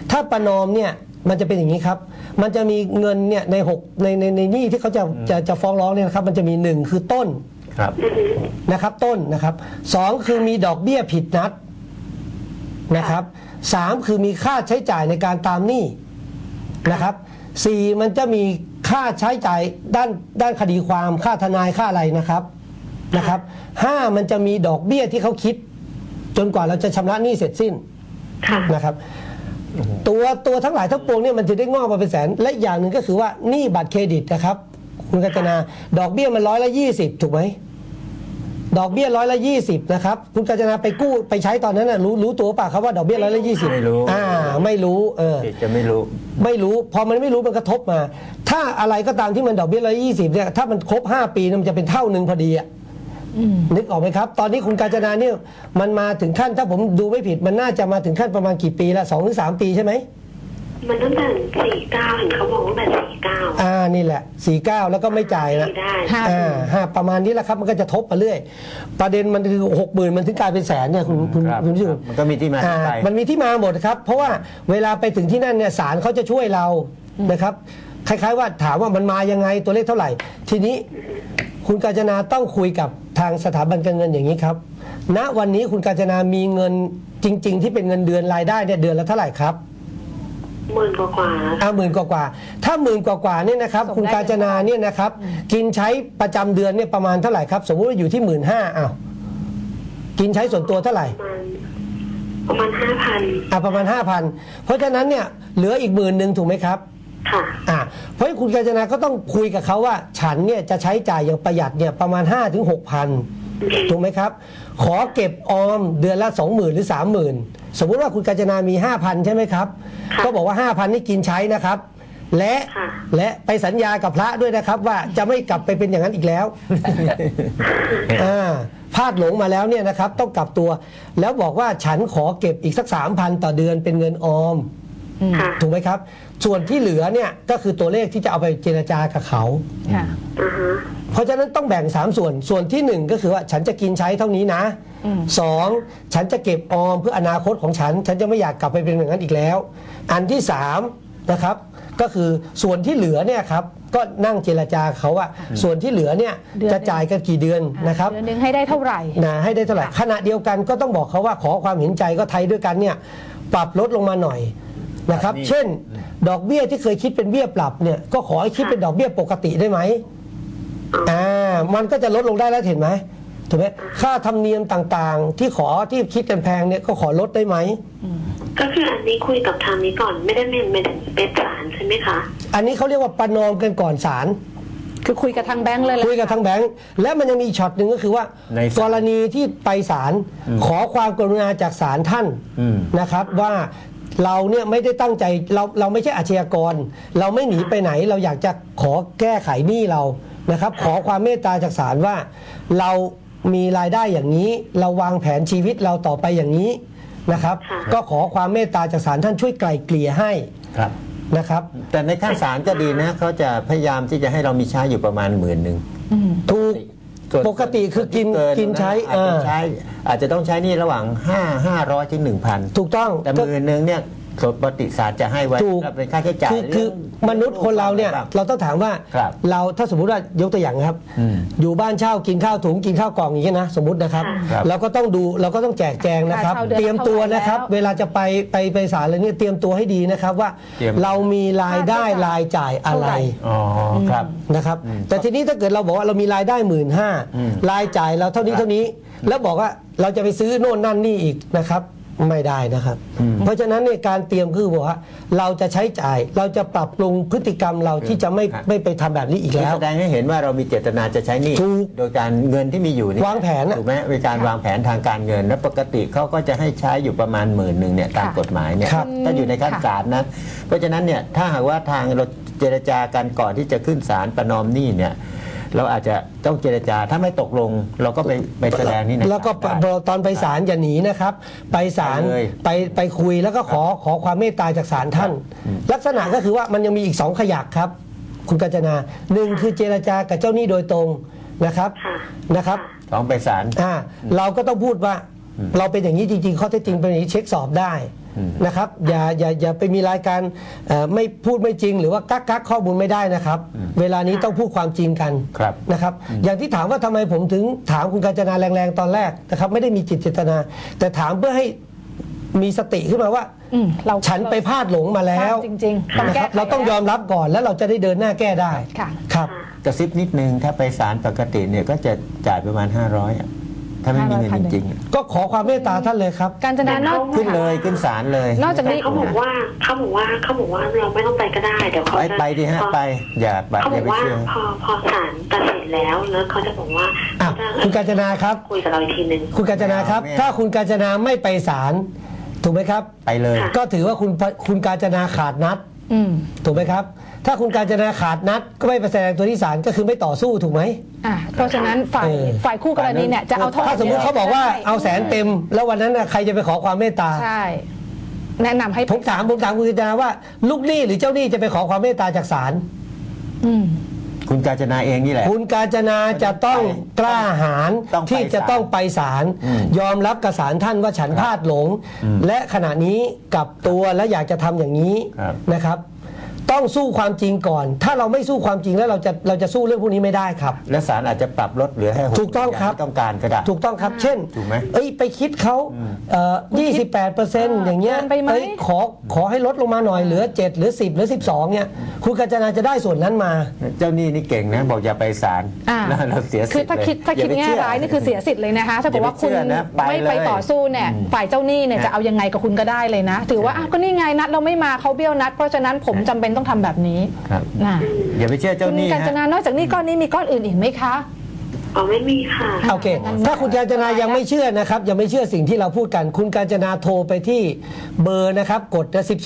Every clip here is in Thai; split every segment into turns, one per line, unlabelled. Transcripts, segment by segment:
ถ้าประนอมเนี่ยมันจะเป็นอย่างนี้ครับมันจะมีเงินเนี่ยในหนี้ที่เขาจะฟ้องร้องเนี่ยนะครับมันจะมี1คือต้นนะครับต้นนะครับ2คือมีดอกเบี้ยผิดนัดนะครับ3คือมีค่าใช้จ่ายในการตามหนี้นะครับ4มันจะมีค่าใช้จ่ายด้านคดีความค่าทนายค่าอะไรนะครับ5มันจะมีดอกเบี้ยที่เขาคิดจนกว่าเราจะชำระหนี้เสร็จสิ้นนะครับตัวทั้งหลายทั้งปวงเนี่ยมันจะได้งอกมาเป็นแสนและอย่างหนึ่งก็คือว่าหนี้บัตรเครดิตนะครับคุณกัญจนาดอกเบี้ยมัน120ถูกไหมดอกเบี้ย120นะครับคุณกัญจนาไปกู้ไปใช้ตอนนั้นน่ะรู้ตัวป่ะครับว่าดอกเบี้ย120
ไม่รู้
ไม่รู้
จะไม่รู้
พอมันไม่รู้มันกระทบมาถ้าอะไรก็ตามที่มันดอกเบี้ย120เนี่ยถ้ามันครบ5ปีมันจะเป็นเท่านึงพอดีอ่ะนึกออกไหมครับตอนนี้คุณกาญจนาเนี่ยมันมาถึงขั้นถ้าผมดูไม่ผิดมันน่าจะมาถึงขั้นประมาณกี่ปีละ2 หรือ 3 ปีใช่ไหม
มันตั้งแต่49เห็นเขาบอกว่าแบบ49
นี่แหละ49แล้วก็ไม่จ่ายนะประมาณนี้แหละครับมันก็จะทบมาเรื่อยประเด็นมันคือ 60,000 มันถึงกลายเป็นแสนเนี่ยคุณผู้ชม
มันก็มีที่มา
มันมีที่มาหมดครับเพราะว่าเวลาไปถึงที่นั่นเนี่ยศาลเขาจะช่วยเรานะครับคล้ายๆว่าถามว่ามันมายังไงตัวเลขเท่าไหร่ทีนี้คุณกาญจนาต้องคุยกับทางสถาบันการเงินอย่างนี้ครับณวันนี้คุณกาญจนามีเงินจริงๆที่เป็นเงินเดือนรายได้เนี่ยเดือนละเท่าไหร่ครับ
10,000 กว่า
10,000 กว่าถ้า10,000 กว่าเนี่ยนะครับคุณกาญจนาเนี่ยนะครับกินใช้ประจำเดือนเนี่ยประมาณเท่าไหร่ครับสมมุติว่าอยู่ที่ 15,000กินใช้ส่วนตัวเท่าไหร่
ประมาณ 5,000
ประมาณ 5,000 เพราะฉะนั้นเนี่ยเหลืออีก10,000ถูกไหมครับเพราะคุณกาญจนาก็ต้องคุยกับเขาว่าฉันเนี่ยจะใช้จ่ายอย่างประหยัดเนี่ยประมาณ 5-6,000 ถูกไหมครับขอเก็บออมเดือนละ 20,000 หรือ 30,000 สมมุติว่าคุณกาญจนามี 5,000 ใช่ไหมครับก็บอกว่า 5,000 นี่กินใช้นะครับและไปสัญญากับพระด้วยนะครับว่าจะไม่กลับไปเป็นอย่างนั้นอีกแล้วพลาดหลงมาแล้วเนี่ยนะครับต้องกลับตัวแล้วบอกว่าฉันขอเก็บอีกสัก 3,000 ต่อเดือนเป็นเงินออมถูกไหมครับส่วนที่เหลือเนี่ยก็คือตัวเลขที่จะเอาไปเจรจากับเขาเพราะฉะนั้นต้องแบ่ง3ส่วนที่1ก็คือว่าฉันจะกินใช้เท่านี้นะ2ฉันจะเก็บออมเพื่ออนาคตของฉันจะไม่อยากกลับไปเป็นอย่างนั้นอีกแล้วอันที่3นะครับก็คือส่วนที่เหลือเนี่ยครับก็นั่งเจรจาเขาว่าส่วนที่เหลือเนี่ยจะจ่ายกันกี่เดือนนะครับ
เดือนนึงให้ได้เท่าไหร่
ให้ได้เท่าไหร่ขณะเดียวกันก็ต้องบอกเขาว่าขอความเห็นใจก็ไทยด้วยกันเนี่ยปรับลดลงมาหน่อยนะครับเช่นดอกเบี้ยที่เคยคิดเป็นเบี้ยปรับเนี่ยก็ขอให้คิดเป็นดอกเบี้ยปกติได้ไหมมันก็จะลดลงได้แล้วเห็นไหมถูกไหมค่าธรรมเนียมต่างๆที่คิดกันแพงเนี่ยก็ขอลดได้ไหม
ก็คืออันนี้คุยกับทางนี้ก่อนไม่ได้เป็นศาลใช่ไหมคะ
อันนี้เขาเรียกว่าประนอมกันก่อนศาล
คือคุยกับทางแบงค์เลย
คุยกับทางแบงค์และมันยังมีช็อตหนึ่งก็คือว่ากรณีที่ไปศาลขอความกรุณาจากศาลท่านนะครับว่าเราเนี่ยไม่ได้ตั้งใจเราไม่ใช่อาชญากรเราไม่หนีไปไหนเราอยากจะขอแก้ไขหนี้เรานะครับขอความเมตตาจากศาลว่าเรามีรายได้อย่างนี้เราวางแผนชีวิตเราต่อไปอย่างนี้นะครับก็ขอความเมตตาจากศาลท่านช่วยไกล่เกลี่ยให้นะครับ
แต่ในขั้นศาลก็ดีนะเขาจะพยายามที่จะให้เรามีใช้อยู่ประมาณ10,000
ถูกปกติคือกินใช้
อาจจะต้องใช้นี่ระหว่าง500 ถึง 1,000
ถูกต้อง
แต่10,000เนี่ยปกติศาลจะให้ไว้เป็นค่าใช้จ่าย
คือมนุษย์คนเราเนี่ยเราต้องถามว่าเราถ้าสมมุติว่ายกตัวอย่างครับอยู่บ้านเช่ากินข้าวถุงกินข้าวกล่องอย่างนี้นะสมมุตินะครับเราก็ต้องดูเราก็ต้องแจกแจงนะครับเตรียมตัวนะครับเวลาจะไปศาลอะไรเนี่ยเตรียมตัวให้ดีนะครับว่าเรามีรายได้รายจ่ายอะไรนะครับแต่ทีนี้ถ้าเกิดเราบอกว่าเรามีรายได้15,000รายจ่ายเราเท่านี้แล้วบอกว่าเราจะไปซื้อโน่นนั่นนี่อีกนะครับไม่ได้นะครับเพราะฉะนั้นในการเตรียมคือบอกว่าเราจะใช้จ่ายเราจะปรับปรุงพฤติกรรมเราที่จะไม่ไปทำแบบนี้อีกแล้ว
แสดงให้เห็นว่าเรามีเจตนาจะใช้หนี้โดยการเงินที่มีอยู่นี่
วางแผน
ถูกไหมเป็นการวางแผนทางการเงินและปกติเขาก็จะให้ใช้อยู่ประมาณ10,000เนี่ยตามกฎหมายเนี่ยถ้าอยู่ในขั้นศาลนะเพราะฉะนั้นเนี่ยถ้าหากว่าทางเราเจรจากันก่อนที่จะขึ้นศาลประนอมหนี้เนี่ยเราอาจจะต้องเจรจาถ้าไม่ตกลงเราก็ไปแสดงนี่นะ
แล้วก็ตอนไปศาลอย่าหนีนะครับไปศาลไปคุยแล้วก็ขอความเมตตาจากศาลท่านลักษณะก็คือว่ามันยังมีอีก2ขยักครับคุณกาญจนา1คือเจรจากับเจ้าหนี้โดยตรงนะครับ
2ไปศาล
เราก็ต้องพูดว่าเราเป็นอย่างนี้จริงๆข้อเท็จจริงเป็นอย่างนี้เช็คสอบได้นะครับอย่าไปมีรายการไม่พูดไม่จริงหรือว่ากักข้อมูลไม่ได้นะครับ เวลานี้ต้องพูดความจริงกัน
ครับ
นะครับอย่างที่ถามว่าทำไมผมถึงถามคุณกาญจนาแรงๆตอนแรกนะครับไม่ได้มีจิตเจตนา แต่ถามเพื่อให้มีสติขึ้นมาว่า
เรา
ฉันไปพลาดหลงมาแล้ว
จริงๆต้อง
นะ
แก้
ครับ
ไข
เราต้องยอมรับก่อนแล้วเราจะได้เดินหน้าแก้ได้
ค่ะ
ครับ
กระซิบนิดนึงถ้าไปศาลปกติเนี่ยก็จะจ่ายประมาณ 500อะถ้าไม่มีเงินจริงๆอะ
ก็ขอความเมตตาท่านเลยครับ
กาญจนานอก
ขึ้นเลยขึ้นศาลเลย
นอกจาก
แต่
นี้
เขาบอกว่าเราไม่ต้องไปก็ได้เดี๋ยวเขาจะ
ไปดิฮะไปอย่าไป
เขา
อบ
อย่
าก ไป
ว่า
เชื่อ
พอศาลตัดสินแล้วเขาจะบอกว่า
อ่ะคุณกาญจนาครับ
คุยกับเราอีกทีหนึ่ง
คุณกาญจนาครับ
ไม่เอา
ถ้าคุณกาญจนาไม่ไปศาลถูกไหมครับ
ไปเลย
ค่ะ
ก็ถือว่าคุณกาญจนาขาดนัด
อืม
ถูกไหมครับ ถ้าคุณกาญจนาขาดนัด ก็ไม่ไปแสดงตัวที่ศาลก็คือไม่ต่อสู้ถูกไหม
เพราะฉะนั้นฝ่าย
เออ
ฝ่ายคู่กรณีเนี่ยจะเอาโทษ
ถ้าสมมุติเขาบอกว่าเอาแสนเต็ม แล้ววันนั้นน่ะใครจะไปขอความเมตตา
ใช่ แนะนำให้
ผมถามคุณกาญจนาว่าลูกหนี้หรือเจ้าหนี้จะไปขอความเมตตาจากศาล
อืม
คุณกาญจนาเองนี่แหละ
คุณกาญจนาจะต้องกล้าหาญ
ต้องไป
ที่จะต้องไปศาล
อืม
ยอมรับกับศาลท่านว่าฉันพลาดหลง และขณะนี้กลับตัวและอยากจะทำอย่างนี้
ครับ
นะครับ ต้องสู้ความจริงก่อน ถ้าเราไม่สู้ความจริงแล้วเราจะสู้เรื่องพวกนี้ไม่ได้ครับ
และศาลอาจจะปรับลดเหลือให้
ถูกต้องครับ
ที่ต้องการก็ได้
ถูกต้องครับ เช่น
ถูกไหม
ไปคิดเขา28%อย่างเงี้ย
เกินไปไหม
ขอให้ลดลงมาหน่อยเหลือ7หรือ10หรือ12เนี่ยคุณกาญจนาจะได้ส่วนนั้นมา
เจ้าหนี้นี่เก่งนะบอกอย่าไปศาล
อ่า
แล้วเราเสียสิทธิ์
คือถ้าคิด
เลยอย่ไป
แง่
เชื่อ
ร้ายนี่คือเสียสิทธิ์เลยนะคะถ้าเกิดว่าคุณ
อย่าไปเชื่อนะไป
ไม่ไป
เลย
ต่อสู้เนี่ยฝ่ายเจ้าหนี้เนี่ย
นะ
จะเอายังไงกับคุณก็ได้เลยนะ ถือว่าอ้าวก็นี่ไงนัดเราไม่มาเขาเบี้ยวนัด เพราะฉะนั้นผมจำเป็นต้องทำแบบนี้
ครับ
นะ
อย่าไปเชื่อเจ้า
คุณ
หนี้
กาญจนานอกจากนี้ก้อนนี้มีก้อนอื่นอีกไหมคะ
อ๋อไม่มีค่ะ
โอเค ถ้าคุณกาญจนายังไม่เชื่อนะครับ ยังไม่เชื่อสิ่งที่เราพูดกัน คุณกาญจนาโทรไปที่เบอร์นะครับ กด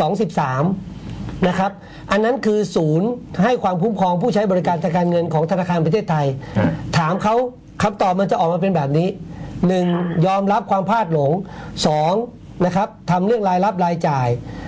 1213นะครับ อันนั้นคือศูนย์ให้ความคุ้มครองผู้ใช้บริการทางการเงินของธนาคารประเทศไทย ถามเขาคำตอบมันจะออกมาเป็นแบบนี้ 1. ยอมรับความพลาดหลง 2. นะครับทำเรื่องรายรับรายจ่าย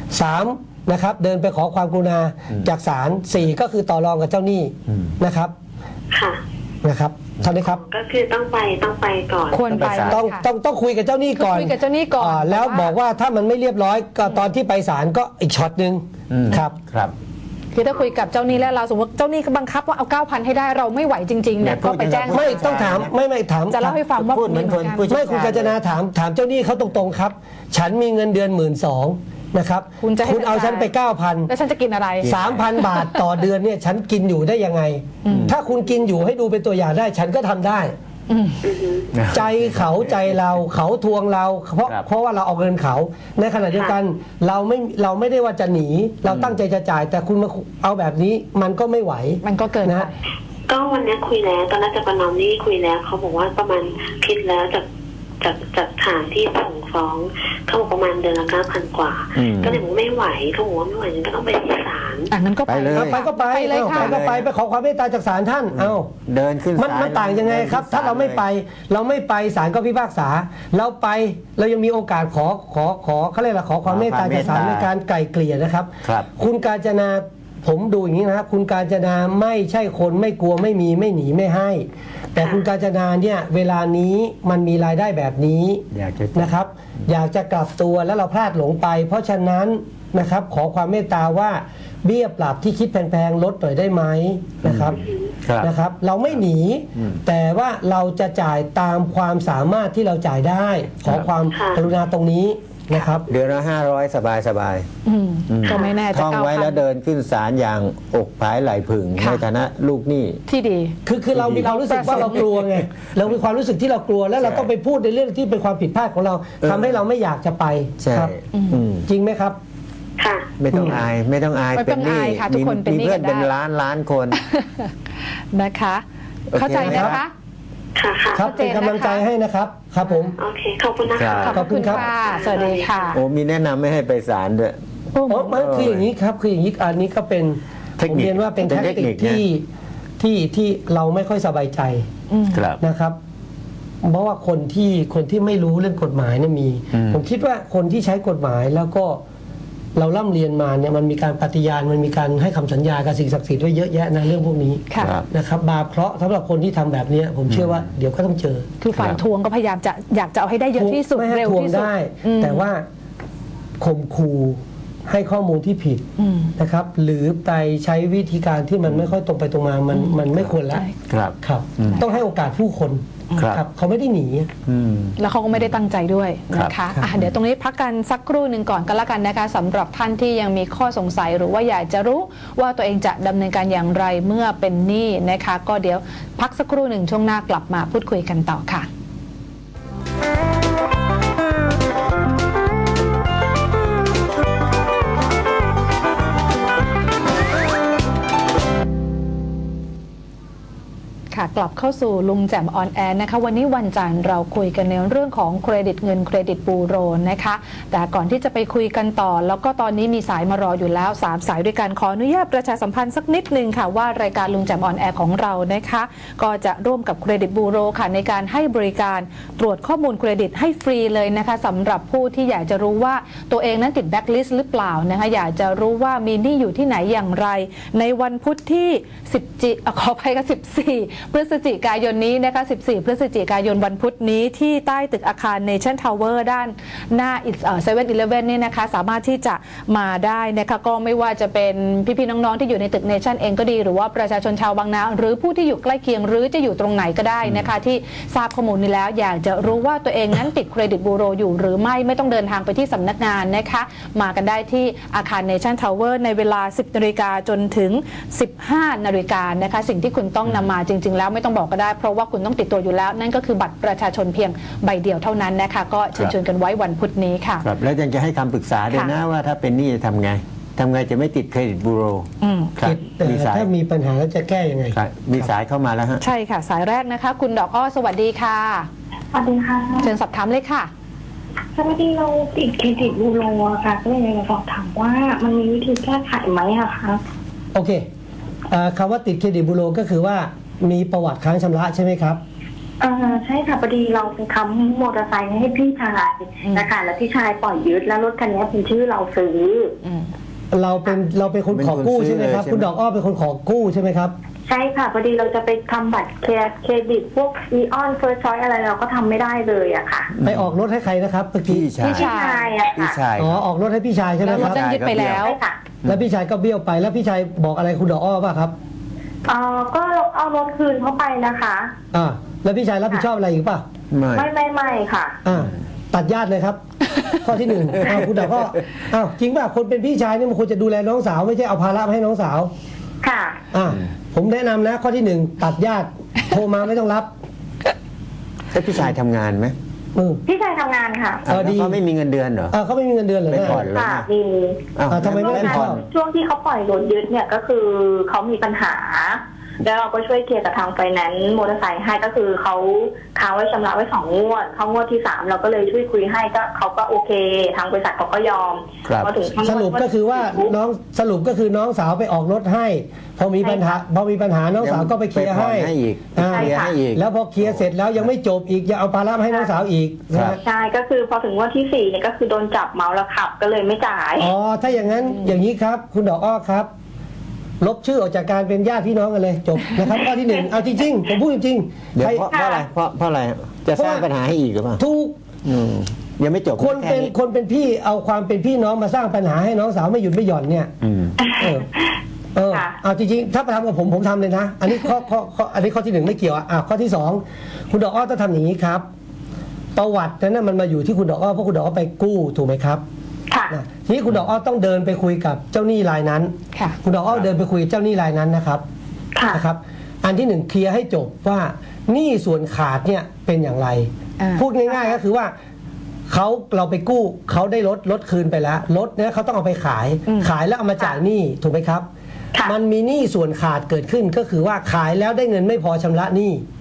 3. นะครับเดินไปขอความกรุณาจากศาล 4. ก็คือต่อรองกับเจ้าหนี้นะครับ
ค่ะ
นะครับเท่านี้ครับ
ก็คือต้องไปก่อน
ควรไป
ต้อง
ค่ะ
ต้องคุยกับเจ้าหนี้ก่อน
คุยกับเจ้าหนี้ก่อน
แล้ว
แต่ว่า
บอกว่าถ้ามันไม่เรียบร้อยก็ตอนที่ไปศาลก็อีกช็อตหนึ่งครับ
ครับ
คือถ้าคุยกับเจ้าหนี้แล้วเราสมมติเจ้าหนี้ก็บังคับว่าเอา 9,000 ให้ได้เราไม่ไหวจริงๆเนี่ย
เนี่ยพู
ก็
ด
ไปแจ้ง
อย่างนั้น
ไม่ต้องถามไม่ถาม
จะเล่าให้ฟังว่า
พูดเหมือนคน
กั
ผู้
ไม่คุณกาญจนาถามเจ้าหนี้เขาตรงๆครับ ฉันมีเงินเดือน12,000นะครับ
คุณจะให้
คุณเอาฉันไป 9,000
แล้วฉันจะกินอะไร
3,000 บาทต่อเดือนเนี่ยฉันกินอยู่ได้ยังไง ถ้าคุณกินอยู่ให้ดูเป็นตัวอย่างได้ ฉันก็ทำได้ ใจเขาใจเราเขาทวงเราเพราะว่าเราเอาเงินเขา ในขณะเดียวกันเราไม่ได้ว่าจะหนี เราตั้งใจจะจ่าย แต่คุณมาเอาแบบนี้มันก็ไม่ไหว
มันก็เกินไป
นะ
ก็วันนี้คุยแล้วตอนแรกจะประนอมนี่คุยแล้วเขาบอกว่าประมาณคิดแล้วจากฐานที่ส่งฟ้องเขาบอกประมาณเดือนละ9,000 กว่า ก็เลยบอกไม่ไหวเขาบอกว่าไม่ไหวงั้นก็ต้องไปที่ศาล
งั้นก็ไป
ไปเลย
เอาไปก็ไป
ไปเลย
เอา
ค่ะ
ไปก็ไปขอความเมตตาจากศาลท่านเอา
เดินขึ้น
มัน
ศล
มันต่างยังไงครับ ถ้าเราไม่ไปศาลก็พิพากษาเราไปเรายังมีโอกาสขอเขาเรียกอะไรขอความเมตตาจากศาลในการไกล่เกลี่ยนะครับ
ครับ
คุณกาญจนาผมดูอย่างนี้นะครับคุณกาญจนาไม่ใช่คนไม่กลัวไม่มีไม่หนีไม่ให้ แต่คุณกาญจนาเนี่ยเวลานี้มันมีรายได้แบบนี้
อยากจะ
นะครับ อยากจะกลับตัวแล้วเราพลาดหลงไป เพราะฉะนั้นนะครับขอความเมตตาว่าเบี้ยปรับที่คิดแพงๆลดหน่อยได้ไหมนะครับ
ครับ
นะครับ เราไม่หนี แต่ว่าเราจะจ่ายตามความสามารถที่เราจ่ายได้ ขอความ
ค่ะ
กรุณาตรงนี้นะครับ
เดือนละ500สบาย
ก็ไม่แน่
ๆ
จะ
ท่องไว้แล้ว
9,000
เดินขึ้นศาลอย่างอกผายไหลผึ่ง
ค่ะ
ในฐานะลูกหนี้
ที่ดี
คือเรามีความรู้สึกว่าเรากลัวไงเรามีความรู้สึกที่เรากลัวแล้วเราต้องไปพูดในเรื่องที่เป็นความผิดพลาดของเราทำให้เราไม่อยากจะไป
ใช่
ครับ
อืม
จริงไหมครับ
ค่ะ
ไม่ต้องอายไม่ต้องอาย
ไม่ต้องอายค่ะทุกคนเป็นหนี้
มีเพื่อน
กันได้
เป็นล้านคน
นะคะ
โอเค
เข้าใจนะ
ครั
คะ
บ
ค่ะค่ะ
ครับ
ชัดเจ
เป็น
นนะคะ
กำลังใจให้นะครับครับผม
โอเคขอบคุณนะคะ
ครับ
ขอบคุณครับ
ค่ะสวัสดีค่ะ
โอ้มีแนะนำไม่ให้ไปศาลด้วย
โอ้มันคืออย่างนี้ครับคืออย่างนี้อันนี้ก็เป็น
เทค
ผม
นิค
เรียนว่าเป็น
เป็น
แท็ก
เทค
ติ
นิ
ก
คนะ
ที่เราไม่ค่อยสบายใจ
ครับ
นะครับ เพราะว่าคนที่ไม่รู้เรื่องกฎหมายเนี่ยมี ผมคิดว่าคนที่ใช้กฎหมายแล้วก็เราล่ำเรียนมาเนี่ยมันมีการปฏิญาณมันมีการให้คำสัญญากับสิ่งศักดิ์สิทธิ์ไว้เยอะแยะนะเรื่องพวกนี้
ค่ะ
ครับ
นะครับบาปเคราะห์สำหรับคนที่ทำแบบเนี้ยผมเชื่อว่าเดี๋ยวก็ต้องเจอ
คือฝ่ายทวงก็พยายามจะอยากจะเอาให้ได้เยอะที่สุด
ไม่ให้
เร็ว
ทวง
ที่สุด
ได้
อืม
แต่ว่าข่มขู่ให้ข้อมูลที่ผิดนะครับ หรือไปใช้วิธีการที่มันไม่ค่อยตรงไปตรงมามันไม่ควรแล้ว
ครับ
ครับ ต้องให้โอกาสผู้คน
ครับ
เขาไม่ได้หนี
แล้วเขาก็ไม่ได้ตั้งใจด้วยนะ
ครั
คะ
บ
เดี๋ยวตรงนี้พักกันสักครู่หนึ่งก่อนก็แล้วกันนะคะสำหรับท่านที่ยังมีข้อสงสัยหรือว่าอยากจะรู้ว่าตัวเองจะดำเนินการอย่างไรเมื่อเป็นหนี้นะคะ ก็เดี๋ยวพักสักครู่หนึ่งช่วงหน้ากลับมาพูดคุยกันต่อค่ะกลับเข้าสู่ลุงแจ่มออนแอร์นะคะวันนี้วันจันทร์เราคุยกันในเรื่องของเครดิตเงินเครดิตบูโรนะคะแต่ก่อนที่จะไปคุยกันต่อแล้วก็ตอนนี้มีสายมารออยู่แล้ว3สายด้วยกันขออนุญาตประชาสัมพันธ์สักนิดนึงค่ะว่ารายการลุงแจ่มออนแอร์ของเรานะคะก็จะร่วมกับเครดิตบูโรค่ะในการให้บริการตรวจข้อมูลเครดิตให้ฟรีเลยนะคะสำหรับผู้ที่อยากจะรู้ว่าตัวเองนั้นติดแบ็คลิสต์หรือเปล่านะคะอยากจะรู้ว่ามีหนี้อยู่ที่ไหนอย่างไรในวันพุธที่ขออภัยกับ14พฤศจิกายนนี้นะคะ14พฤศจิกายนวันพุธนี้ที่ใต้ตึกอาคาร Nation Tower ด้านหน้า7-Eleven นี่นะคะสามารถที่จะมาได้นะคะก็ไม่ว่าจะเป็นพี่ๆน้องๆที่อยู่ในตึก Nation เองก็ดีหรือว่าประชาชนชาวบางนาหรือผู้ที่อยู่ใกล้เคียงหรือจะอยู่ตรงไหนก็ได้นะคะที่ทราบข้อมูลนี้แล้วอยากจะรู้ว่าตัวเองนั้นติดเครดิตบูโรอยู่หรือไม่ต้องเดินทางไปที่สำนักงานนะคะมากันได้ที่อาคาร Nation Tower ในเวลา 10 นาฬิกาจนถึง 15 นาฬิกานะคะสิ่งที่คุณต้องนำมาจริงๆแล้วไม่ต้องบอกก็ได้เพราะว่าคุณต้องติดตัวอยู่แล้วนั่นก็คือบัตรประชาชนเพียงใบเดียวเท่านั้นนะคะก็เชิญชวนกันไว้วันพุธนี้ค่ะ
ครับแล้วยังจะให้คำปรึกษาด้วยนะว่าถ้าเป็นหนี้จะทำไงจะไม่ติดเครดิตบูโรครับมีสาย
ถ้ามีปัญหาแล้วจะแก้ยังไง
ครับมีสายเข้ามาแล้วฮะ
ใช่ค่ะสายแรกนะคะคุณดอกอ้อสวัสดีค่ะ
สวัสดีค่ะ
เชิญสอบถามเลยค่ะ
สวัสดีเราติดเครดิตบูโรอะค่ะก็เลยอยากจะสอบถามว่ามันมีวิธีแก้ไขไหมอะคะ
โอเคคำว่าติดเครดิตบูโรก็คือว่ามีประวัติค้างชำระใช่ไหมครับ
ใช่ค่ะพอดีเราไปค้ำมอเตอร์ไซค์ให้พี่ชายนะคะแล้วพี่ชายปล่อยยึดแล้วรถคันนี้เป็นชื่อเราซื้อ
เราเป็นคนขอกู้ใช่ไหมครับคุณดอกอ้อเป็นคนขอกู้ใช่ไหมครับ
ใช่ค่ะพอดีเราจะไปทำบัตรเครดิตพวกอีออนเฟิร์สชอยอะไรเราก็ทำไม่ได้เลยอะค่ะ
ไปออกรถให้ใครนะครับเมื่อกี้
พี่ชายอะค่ะ
อ๋อออกรถให้พี่ชายใช่ไหมครับ
แล้วรถยึดไปแล้ว
แล้วพี่ชายก็เบี้ยวไปแล้วพี่ชายบอกอะไรคุณดอกอ้อป่ะครับ
ก็เอารถคืนเขาไปนะคะ
แล้วพี่ชายรับผิดชอบอะไรอีกป่ะ
ไม่ค่ะ
ตัดญาติเลยครับ ข้อที่หนึ่งคุณดอกก็จริงป่ะคนเป็นพี่ชายนี่มันควรจะดูแลน้องสาวไม่ใช่เอาภาระมาให้น้องสาว
ค่ะ
ผมแนะนำนะข้อที่หนึ่งตัดญาติโทรมาไม่ต้องรับ
แล้วพี่ชายทำงานไหม
พี่ชายทำงานค่ะ
เขาไม่มีเงินเดือนเหรอ
เขาไม่มีเงินเดือนเหรอ
ไม่ผ่อนเลย
มี
ทำไมไม่ผ่อน
ช่วงที่เขาปล่อยรถยึดเนี่ยก็คือเขามีปัญหาแล้วเราก็ช่วยเคลียร์กับทางไฟแนนซ์มอเตอร์ไซค์ให้ก็คือเขาค้างไว้ชำระไว้2 งวดเข้างวดที่3เราก็เลยช่วยคุยให้ก็เขาก็โอเคทางบริษัทเขาก็ยอม
พอถึงสรุปก็คือว่าน้องสาวไปออกรถให้พอมีปัญหาน้องสาวก็ไปเคลียร์ให้แล้วพอเคลียร์เสร็จแล้วยังไม่จบอีกยังเอาภาระมาให้น้องสาวอีก
ใช่ก็คือพอถึงงวดที่4เนี่ยก็คือโดนจับเมาแล้วขับก็เลยไม่จ่าย
ถ้าอย่างนั้นอย่างนี้ครับคุณดอกอ้อครับลบชื่อออกจากการเป็นญาติพี่น้องกันเลยจบนะครับข้อที่1เอาจริงๆผมพูดจริง
ๆเดี๋ยวเพราะอะไรเพราะอะไรจะสร้างปัญหาให้อีกหรือเปล่า
ถูก
ยังไม่จบ
คนเป็นพี่เอาความเป็นพี่น้องมาสร้างปัญหาให้น้องสาวไม่หยุดไม่หย่อนเนี่ยเอาจริงๆถ้าไปทำกับผมทำเลยนะอันนี้ข้อที่1ไม่เกี่ยวข้อที่2คุณดอกอ้อต้องทำอย่างนี้ครับประวัตินั้นมันมาอยู่ที่คุณดอกอ้อเพราะคุณดอกอ้อไปกู้ถูกไหมครับทีนี้คุณดอกอ้อต้องเดินไปคุยกับเจ้าหนี้รายนั้นคุณดอกอ้อเดินไปคุยกับเจ้าหนี้รายนั้นนะครับอันที่1เคลียร์ให้จบว่าหนี้ส่วนขาดเนี่ยเป็นอย่างไรพูดง่ายๆก็คือว่าเราไปกู้เขาได้รถคืนไปแล้วรถเนี่ยเขาต้องเอาไปขายแล้วเอามาจ่ายหนี้ถูกไหมครับมันมีหนี้ส่วนขาดเกิดขึ้นก็คือว่าขายแล้วได้เงินไม่พอชำระหนี้